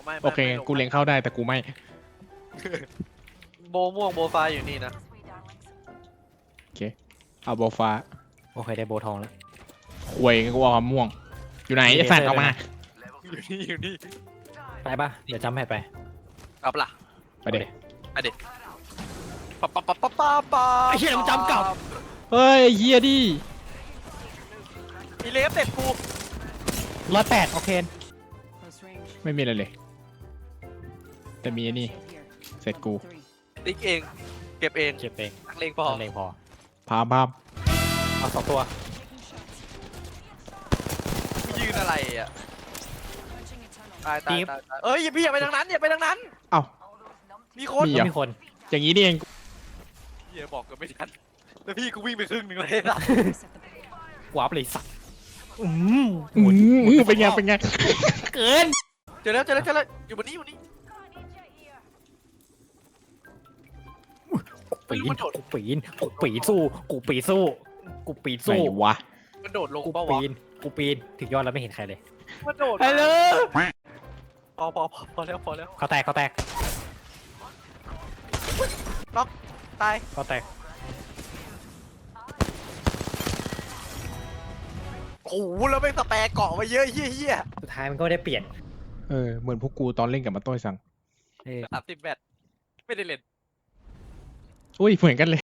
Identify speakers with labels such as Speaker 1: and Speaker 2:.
Speaker 1: ไม่
Speaker 2: โอเคกูเล็งเข้าได้แต่กูไม่
Speaker 1: โบม่วงโบฟ้าอยู่นี่นะ
Speaker 2: โอเคเอาโบฟ้า
Speaker 3: โอเคได้โบทองแล้ว
Speaker 2: ควยกูเอาม่วง อยู่ไหนไอ้สัตว์เอามา
Speaker 1: อยู่นี่
Speaker 3: ไปปะเดี๋ยวจำแพทไป
Speaker 1: เอาปะล่ะ
Speaker 2: ไปเด็
Speaker 1: ปั๊บปั๊บปั๊บปั๊บปั๊บปั๊บ
Speaker 3: ไอ้เหี้ยมันจำกลับ
Speaker 2: เฮ้ยเฮียดิ
Speaker 1: มีเลฟเต็ดกู
Speaker 3: 108โอเค
Speaker 2: ไม่มีอะไรเลย แต่มีไอ้นี่เสร็จกู
Speaker 1: ติ๊กเองเก็บเอง
Speaker 3: เก็บเอง
Speaker 1: นักเลงพอ
Speaker 3: นั่นเองพอ
Speaker 2: พามพาม
Speaker 3: เอา2ตัว
Speaker 1: ยืนอะไรอ่ะตายเอ้ยพี่อย่าไปทางนั้นอย่าไปทางนั้น
Speaker 2: เอ้า
Speaker 1: มีคน
Speaker 2: มีเหรอ
Speaker 3: มีคน
Speaker 2: อย่างนี้นี่เอง
Speaker 1: เฮียบอกกันไม่ทันแล้วพี่กูวิ่งไปครึ่งหนึ่งเลยนะ
Speaker 3: วาร์ปเลยสัตว์
Speaker 2: เป็นไงเป็นไง
Speaker 3: เกิน
Speaker 1: เจอแล้วอยู่บนนี้
Speaker 3: ปีนกูปีนกูปีนสู้กูปีนสู้กูปีน
Speaker 2: ไหน
Speaker 3: สู้
Speaker 2: วะ
Speaker 1: มันโดดลง
Speaker 3: กู
Speaker 1: เปล่าวะ
Speaker 3: ปีนกูปีนถึงยอดแล้วไม่เห็นใครเลย
Speaker 1: มันโดด
Speaker 3: ฮัลโหล
Speaker 1: พอแล้ว
Speaker 3: เขาแตกเขาแตก
Speaker 1: ตาย
Speaker 3: เขาแตก
Speaker 1: โอ้โหแล้วไม่สแปรเกาะมาเยอะเฮีย
Speaker 3: สุดท้ายมันก็ได้เปลี่ยน
Speaker 2: เหมือนพวกกูตอนเล่นกับมาต้อยสั่ง
Speaker 3: เออ
Speaker 1: 30 แบตไม่ได้เล่น
Speaker 2: อุ้ยเหมือนกันเลย